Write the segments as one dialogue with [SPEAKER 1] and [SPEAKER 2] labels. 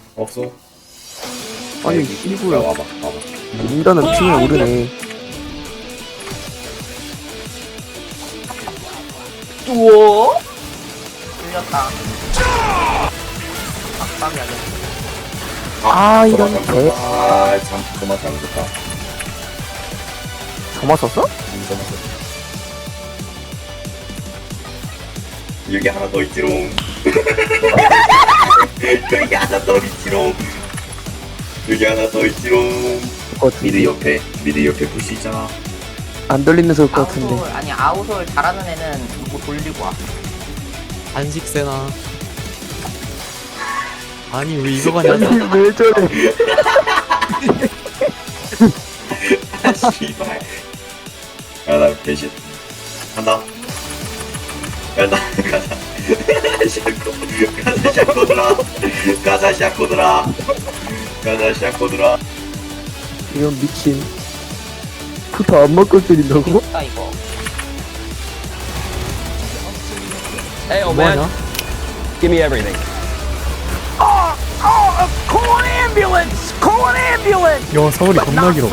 [SPEAKER 1] 없어.
[SPEAKER 2] 아니
[SPEAKER 1] 여기.
[SPEAKER 2] 이구야.
[SPEAKER 1] 야, 와봐.
[SPEAKER 2] 인간은 핑이 오르네.
[SPEAKER 3] 우와 들렸다. 깜짝이야.
[SPEAKER 2] 아 이런 개.
[SPEAKER 1] 참, 그만 잘못했다.
[SPEAKER 2] 저만 썼어?
[SPEAKER 1] 그만 썼다. 여기 하나 더 있지롱. 여기 하나 더 있지롱. 여기 하나 더 있지롱.
[SPEAKER 2] 것
[SPEAKER 1] 미드 옆에 부시 있잖아.
[SPEAKER 2] 안 돌리면 좋을 것 같은데.
[SPEAKER 3] 아웃솔 아니 아웃솔 잘하는 애는 뭐 돌리고 와.
[SPEAKER 4] 안식세나. 아니 왜 이거 가냐?
[SPEAKER 2] 아니 왜 저래?
[SPEAKER 1] 아, 씨발. 야, 나 배신. 간다. 간다. 가자. 샤코. 가자, 샤코들아. 가자, 샤코들아. 가자, 샤코들아.
[SPEAKER 2] 이건 미친. 부터 안 먹고 때린다고?
[SPEAKER 3] 나 이거.
[SPEAKER 5] Hey, old man,
[SPEAKER 4] 뭐하냐?
[SPEAKER 5] give me everything.
[SPEAKER 4] 야 서울이 겁나 길어.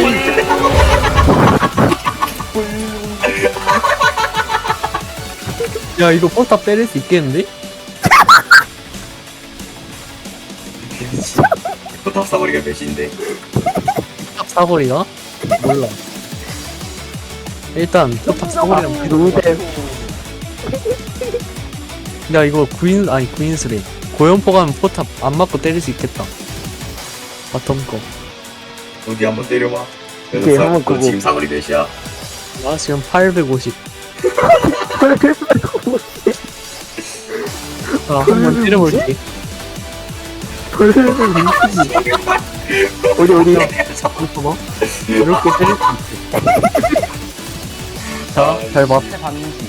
[SPEAKER 4] 야 이거 포탑 때릴 수 있겠는데?
[SPEAKER 1] 포탑 사거리가 몇인데?
[SPEAKER 4] 포탑 사거리가? 몰라. 일단 포탑 사거리랑
[SPEAKER 2] 노잼.
[SPEAKER 4] 야 이거 구인수래. 고연포 가면 포탑 안 맞고 때릴 수 있겠다. 바텀 거.
[SPEAKER 1] 어디 한번 때려봐.
[SPEAKER 2] 오케이, 한번
[SPEAKER 1] 너
[SPEAKER 2] 끄고.
[SPEAKER 1] 지금 사거리 몇이야?
[SPEAKER 4] 나 지금 850. 아 한번 때려볼게.
[SPEAKER 2] 어디
[SPEAKER 4] 봐봐. 이렇게 때릴 수 있어. 자, 잘 봐.
[SPEAKER 3] 근데 반지.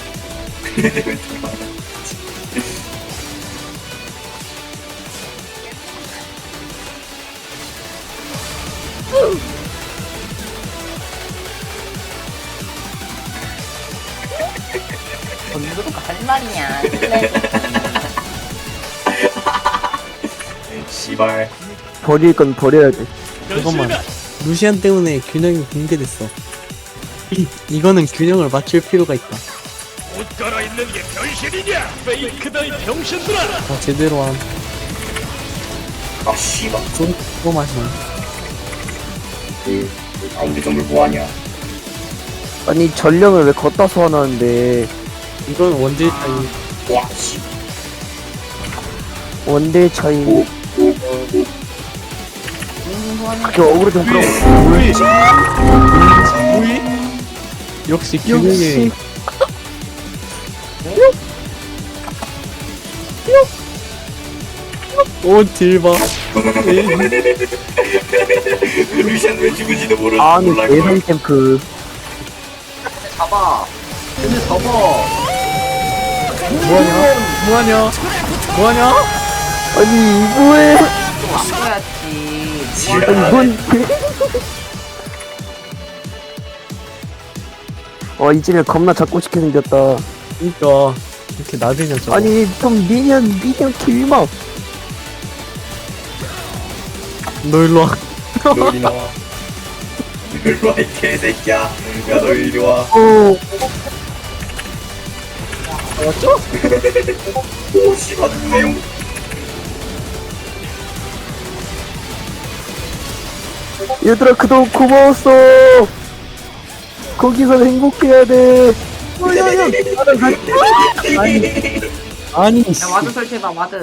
[SPEAKER 3] 건드려가 할 말이냐.
[SPEAKER 1] 씨발.
[SPEAKER 2] 버릴 건 버려야 돼.
[SPEAKER 4] 잠깐만. 루시안 때문에 균형이 붕괴됐어. 이거는 균형을 맞출 필요가 있다.
[SPEAKER 6] 옷 갈아입는 게 변신이냐? 페이크다 이 병신들아!
[SPEAKER 4] 자, 제대로 한.
[SPEAKER 1] 아, 씨발.
[SPEAKER 4] 그거 마시나.
[SPEAKER 1] 우리 정글 뭐하냐?
[SPEAKER 2] 아니 전령을 왜 걷다 소환하는데
[SPEAKER 4] 이건 원딜 차이.
[SPEAKER 1] 와, 씨.
[SPEAKER 2] 원대 차이. 그게 어그로 좀 끌어.
[SPEAKER 4] 역시
[SPEAKER 2] 역시
[SPEAKER 4] 균형이. 오, 딜 봐.
[SPEAKER 1] 루시안 왜 죽은지도
[SPEAKER 2] 아니
[SPEAKER 1] 몰라.
[SPEAKER 2] 예상 캠프.
[SPEAKER 3] 잡아. 근데 잡아.
[SPEAKER 4] 뭐하냐? 뭐하냐?
[SPEAKER 2] 아니 이거에
[SPEAKER 3] 좀 아껴야지.
[SPEAKER 2] 아니 뭔? 이집에 겁나 잡고 싶게 생겼다.
[SPEAKER 4] 그니까 이렇게 나대냐 저거.
[SPEAKER 2] 아니 좀 미니언 길막.
[SPEAKER 4] 너 일로 와.
[SPEAKER 1] 너 이리 나와. 이리 와, 이 개새끼야. 야, 너 이리 와.
[SPEAKER 2] 오.
[SPEAKER 1] 오, 씨발, 누구세요?
[SPEAKER 2] 얘들아 그동안 고마웠어. 거기서 행복해야 돼.
[SPEAKER 4] 아니.
[SPEAKER 3] 야 와드 설치해봐 와드.